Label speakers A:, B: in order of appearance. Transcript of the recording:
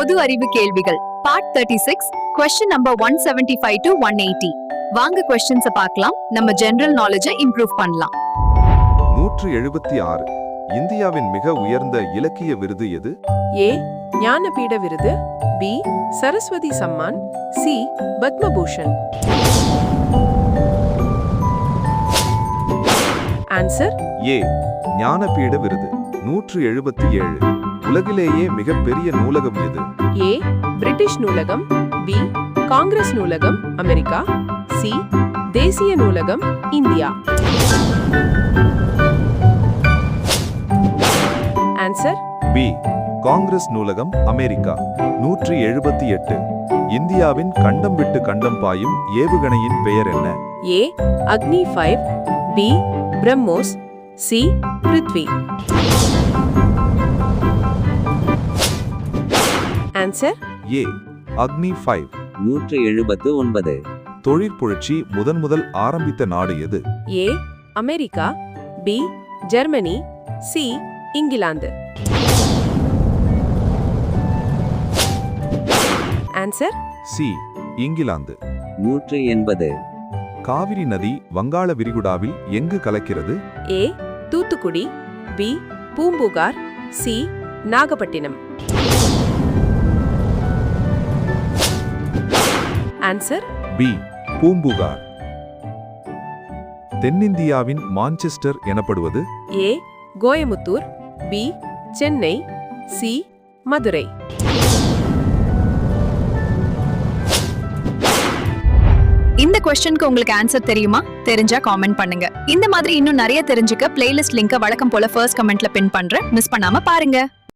A: பொது அறிவு கேள்விகள் பார்ட் 36 question number 175 to 180 வாங்க questions பார்க்கலாம் நம்ம ஜெனரல் நாலேஜை இம்ப்ரூவ் பண்ணலாம்
B: 176 இந்தியாவின் மிக உயர்ந்த இலக்கிய விருது எது?
C: ஏ ஞானபீட விருது, B Saraswati Samman, C Padma Bhushan. Answer
B: A Jnanpith விருது. 177 உலகிலேயே மிகப்பெரிய நூலகம் எது?
C: ஏ பிரிட்டிஷ் நூலகம், பி காங்கிரஸ் நூலகம் அமெரிக்கா, சி தேசிய நூலகம் இந்தியா. ஆன்சர்
B: பி காங்கிரஸ் நூலகம் அமெரிக்கா. 178 இந்தியாவின் கண்டம் விட்டு கண்டம் பாயும் ஏவுகணையின் பெயர் என்ன?
C: A Agni 5, B Brahmos, C Prithvi. Answer
B: A Agni 5.
D: 179
B: தொழிற்புரட்சி முதல் ஆரம்பித்த நாடு எது?
C: A America, B Germany, C England. Answer
B: C England.
D: 180
B: Kaveri நதி வங்காள விரிகுடாவில் எங்கு கலக்கிறது?
C: A Thoothukudi, B Poompuhar, C Nagapattinam. Answer
B: B Poompuhar. தென்னிந்தியாவின் மான்செஸ்டர் எனப்படுவது?
C: A Coimbatore, B Chennai, C Madurai.
A: இந்த क्वेश्चनக்கு உங்களுக்கு ஆன்சர் தெரியுமா? தெரிஞ்சா காமெண்ட் பண்ணுங்க. இந்த மாதிரி இன்னும் நிறைய தெரிஞ்சுக்க பிளேலிஸ்ட் லிங்கை வழக்கம் போல ஃபர்ஸ்ட் கமெண்ட்ல பின் பண்றேன். மிஸ் பண்ணாம பாருங்க.